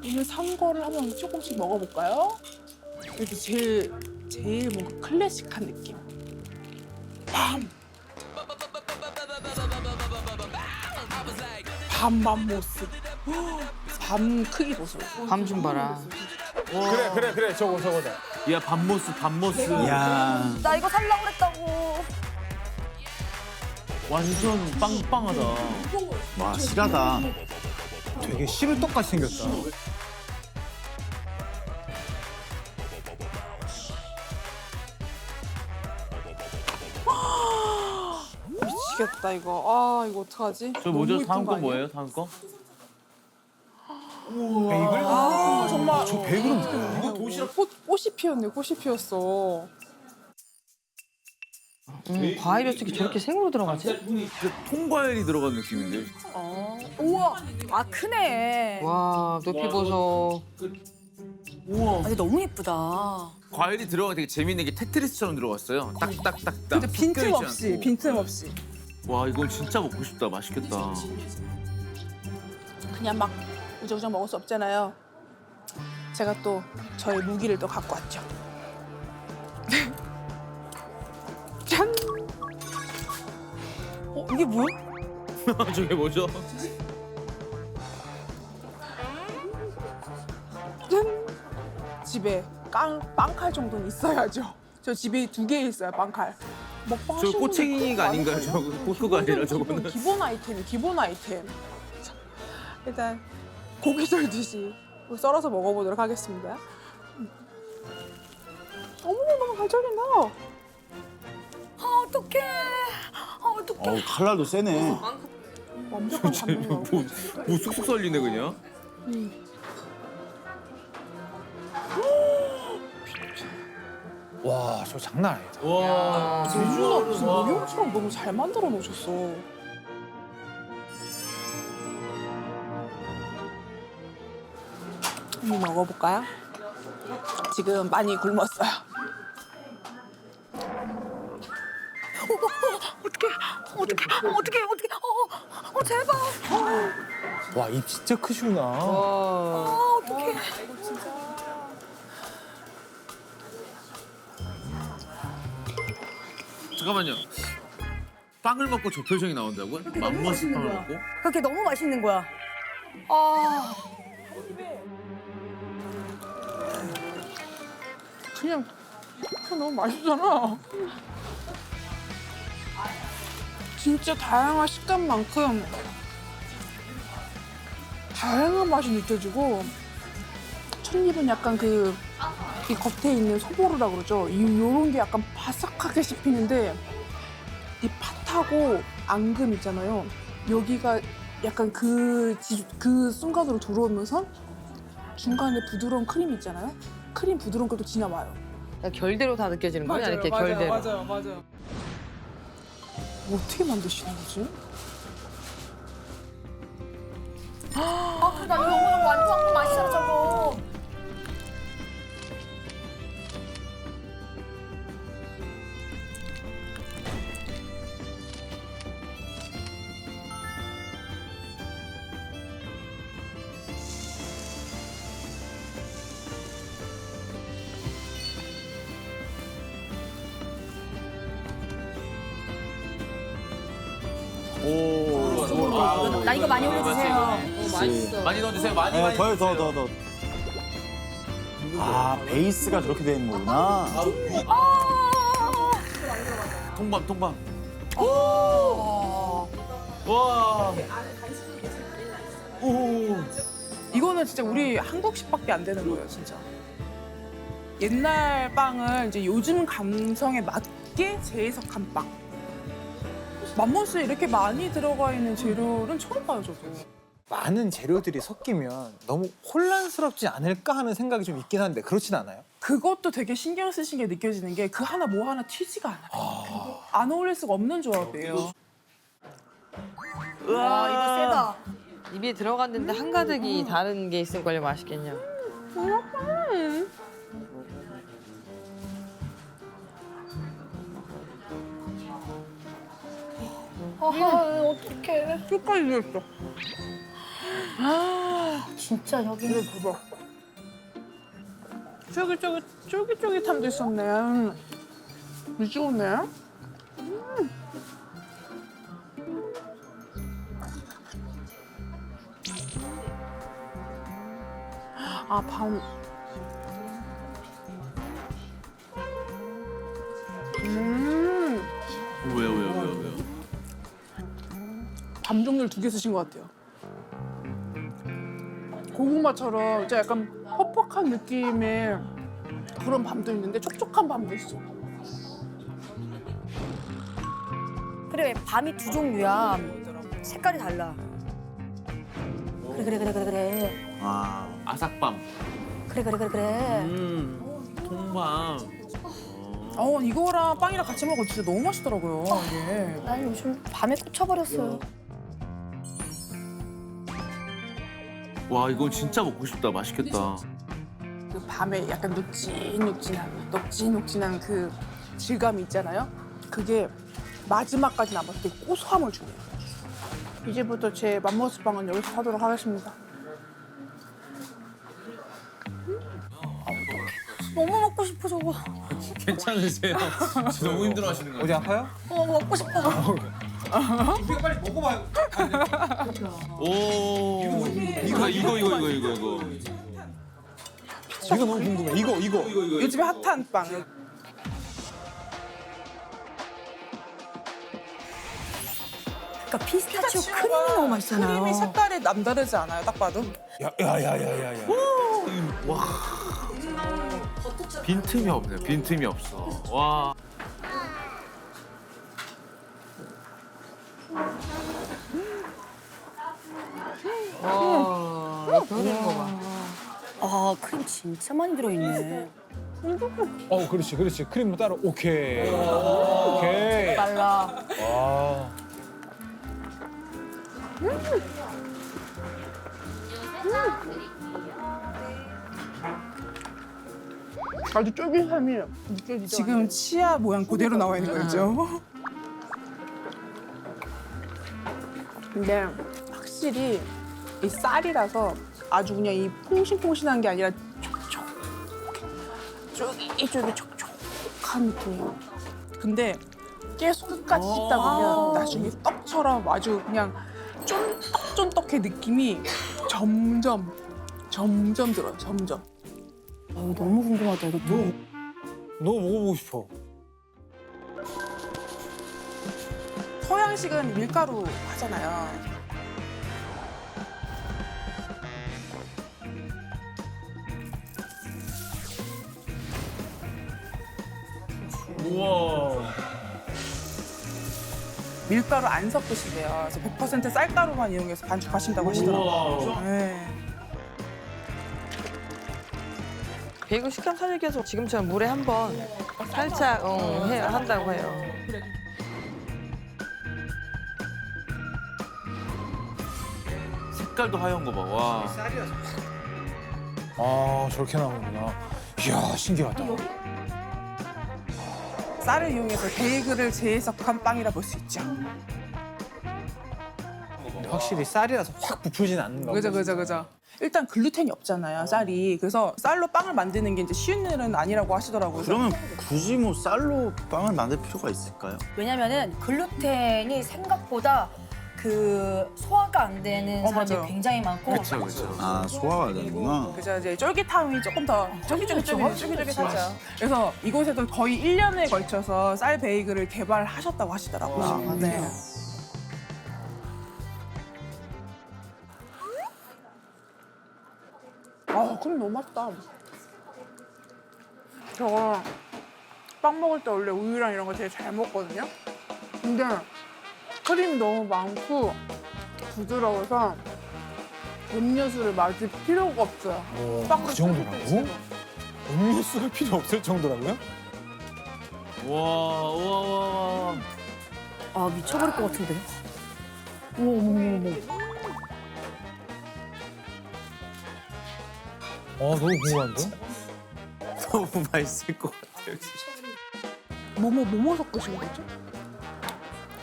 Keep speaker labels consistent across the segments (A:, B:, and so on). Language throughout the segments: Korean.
A: 오늘 산 거를 한번 조금씩 먹어볼까요? 이렇게 제일 뭔가 클래식한 느낌. 밤 맘모스. 밤 크기 보세요.
B: 밤 좀 봐라.
C: 그래 저거다.
D: 야 밤모스.
E: 야.
F: 나 이거 살라고 그랬다고.
D: 완전 빵빵하다.
E: 와, 실하다.
C: 되게 시루떡같이 생겼다.
A: 미치겠다 이거. 아 이거 어떡하지?
D: 저 뭐죠?
A: 너무
D: 다음
A: 이쁜
D: 거
A: 거 아니야?
D: 뭐예요? 다음 거?
C: 베이글?
A: 아 정말.
C: 저 베이글은 뭐야?
A: 이거 도시락 꽃이 피었네. 꽃이 피었어.
B: 과일이 어떻게 저렇게 생으로 들어가지?
D: 통과일이 들어간 느낌인데.
F: 우와, 아 크네.
B: 와, 높이 보소.
D: 우와.
F: 근데 너무 예쁘다.
D: 과일이 들어가 되게 재밌는 게 테트리스처럼 들어갔어요. 딱딱딱딱.
A: 근데 빈틈없이 빈틈없이.
D: 와 이건 진짜 먹고 싶다. 맛있겠다.
A: 그냥 막 우정우정 먹을 수 없잖아요. 제가 또 저의 무기를 또 갖고 왔죠. 짠! 이게 뭐야?
D: 저게 뭐죠?
A: 짠! 집에 빵칼 정도는 있어야죠. 저 집에 2개 있어요, 빵칼. 먹방
D: 저
A: 하시는
D: 꼬챙이가
A: 분들
D: 아닌가요? 저거 포크가 아니라 저거는.
A: 기본 아이템이 기본 아이템. 자, 일단 고기 썰듯이 썰어서 먹어보도록 하겠습니다. 어머나 너무 잘 절인다.
F: 아 어떡해. 아 어떡해.
E: 어우, 칼날도 세네.
A: 완벽한 단면이야.
D: 뭐 쑥쑥 썰리네 그냥.
C: 와, 저 장난 아니다.
D: 와.
A: 제주가 무슨 모형처럼 너무 잘 만들어 놓으셨어. 한번 먹어볼까요? 지금 많이 굶었어요.
F: 어떡해. 제발.
C: 와, 입 진짜 크시구나.
B: 와.
F: 어떡해.
D: 잠깐만요. 빵을 먹고 저 표정이 나온다고요? 맘모스 빵을 먹고?
F: 그렇게 너무 맛있는 거야. 아.
A: 그냥 너무 맛있잖아. 진짜 다양한 식감만큼 다양한 맛이 느껴지고 첫입은 약간 이 겉에 있는 소보루라 그러죠. 요런 게 약간 바삭하게 씹히는데 이 팥하고 앙금 있잖아요. 여기가 약간 그 순간으로 들어오면서 중간에 부드러운 크림 있잖아요. 크림 부드러운 것도 지나와요.
B: 결대로 다 느껴지는 거야? 이렇게 결대로.
A: 맞아요. 어떻게 만드시는 거지?
F: 아 그래 나 이거 오늘 완전 맛있어 저거. 나 이거 많이 올려주세요.
D: 많이 넣어주세요. 많이
E: 네,
D: 많이.
E: 더. 아, 베이스가 저렇게 되는 거구나.
D: 통밤. 와. 오.
A: 이거는 진짜 우리 한국식밖에 안 되는 거예요, 진짜. 옛날 빵을 이제 요즘 감성에 맞게 재해석한 빵. 맘모스에 이렇게 많이 들어가 있는 재료는 처음 봐요, 저도.
C: 많은 재료들이 섞이면 너무 혼란스럽지 않을까 하는 생각이 좀 있긴 한데 그렇진 않아요?
A: 그것도 되게 신경 쓰신 게 느껴지는 게 그 하나 뭐 하나 튀지가 않아요. 안 어울릴 수가 없는 조합이에요.
F: 와 이거 세다.
B: 입에 들어갔는데 한가득이 다른 게 있을걸요. 맛있겠냐.
F: 아 어떡해.
A: 끝까지 들었어. 아,
F: 진짜 여기는
A: 대박. 쫄깃쫄깃함도 있었네. 미치겠네. 아, 밤.
D: 왜요?
A: 밤 종류를 2개 쓰신 것 같아요. 고구마처럼 진짜 약간 퍽퍽한 느낌의 그런 밤도 있는데 촉촉한 밤도 있어.
F: 그래 밤이 2종류야. 색깔이 달라. 그래.
E: 아,
D: 아삭밤.
F: 그래.
D: 통밤.
A: 이거랑 빵이랑 같이 먹으면 진짜 너무 맛있더라고요, 이게.
F: 난 요즘 밤에 꽂혀버렸어요.
D: 와 이건 진짜 먹고 싶다. 맛있겠다.
A: 그 밤에 약간 녹진녹진한 그 질감이 있잖아요. 그게 마지막까지 남았을 때 고소함을 주네요. 이제부터 제 맘모스 빵은 여기서 사도록 하겠습니다.
F: 너무 먹고 싶어 저거.
D: 괜찮으세요? 너무 힘들어하시는 거
C: 어디 아파요?
F: 먹고 싶어.
C: 우리가 빨리 먹어봐요.
D: 오. 이거.
C: 이거 너무 궁금해. 이거.
A: 요즘에 핫한 빵.
F: 그러니까 피스타치오 크림이 너무 맛있잖아요.
A: 크림이 색깔이 남다르지 않아요, 딱 봐도?
C: 야야야야야야.
D: 빈틈이 없네. 빈틈이 없어. 와.
B: 그런 거 봐.
F: 아 크림 진짜 많이 들어있네.
C: 그렇지. 크림 따로. 오케이.
A: 달라.
C: 와.
A: 아주 쫄깃함이 느껴지죠? 지금 치아 모양 그대로 나와 있는 거죠? 근데 확실히 이 쌀이라서 아주 그냥 이 퐁신퐁신한 게 아니라 쫄깃쫄깃 촉촉한 느낌이에요. 근데 계속 끝까지 씹다 보면 나중에 떡처럼 아주 그냥 쫀떡쫀떡해 느낌이 점점 들어요, 점점.
F: 너무 궁금하다 이것도.
C: 너무 먹어보고 싶어.
A: 서양식은 밀가루 하잖아요.
D: 우와.
A: 밀가루 안 섞으신대요. 그래서 100% 쌀가루만 이용해서 반죽하신다고 하시더라고요. 네.
B: 베이글 식감 살리기 위해서 지금처럼 물에 한번 살짝 한다고 해요.
D: 색깔도 하얀 거 봐. 와.
C: 아 저렇게 나오는구나. 이야 신기하다.
A: 쌀을 이용해서 베이글을 재해석한 빵이라 볼 수 있죠.
C: 확실히 쌀이라서 확 부풀진 않는가 보다.
A: 그죠. 일단 글루텐이 없잖아요, 쌀이. 그래서 쌀로 빵을 만드는 게 이제 쉬운 일은 아니라고 하시더라고요.
E: 그러면 굳이 뭐 쌀로 빵을 만들 필요가 있을까요?
F: 왜냐면은 글루텐이 생각보다 그 소화가 안 되는 사람들이
A: 맞아요.
F: 굉장히 많고.
D: 그렇죠.
E: 아, 소화가 안 되는구나.
A: 그죠, 이제 쫄깃함이 조금 더 쫄깃쫄깃하죠. 그래서 이곳에서 거의 1년에 걸쳐서 쌀 베이글을 개발하셨다고 하시더라고요. 네. 그럼 너무 맛있다. 저거 빵 먹을 때 원래 우유랑 이런 거 되게 잘 먹거든요. 근데 크림이 너무 많고 부드러워서 음료수를 마실 필요가 없어요. 빵을
C: 그 정도라고? 음료수가 필요 없을 정도라고요?
D: 와.
F: 아 미쳐버릴 것 같은데. 어머.
C: 너무 궁금한데?
D: 너무 맛있을 것 같아요.
A: 뭐뭐 섞으신 거죠?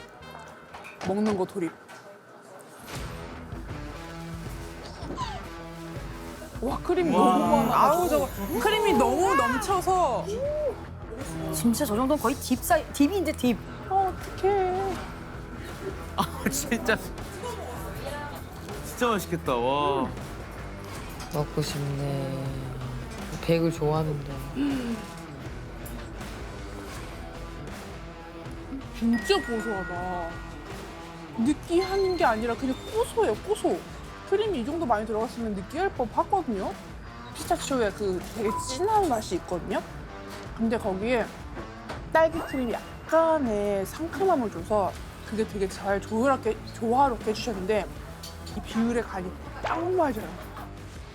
A: 먹는 거 돌입. 와 크림이 너무 많아.
B: 아우 저거 크림이 너무 넘쳐서
F: 진짜 저 정도는 거의 딥인데 딥.
A: 어떡해.
D: 아 진짜 맛있겠다. 와.
B: 먹고 싶네. 베이글 좋아하는데.
A: 진짜 고소하다. 느끼한 게 아니라 그냥 고소해요, 고소. 크림이 이 정도 많이 들어갔으면 느끼할 법하거든요. 피스타치오에 그 되게 진한 맛이 있거든요. 근데 거기에 딸기 크림이 약간의 상큼함을 줘서 그게 되게 잘 조화롭게 해주셨는데 이 비율의 간이 딱 맞아요.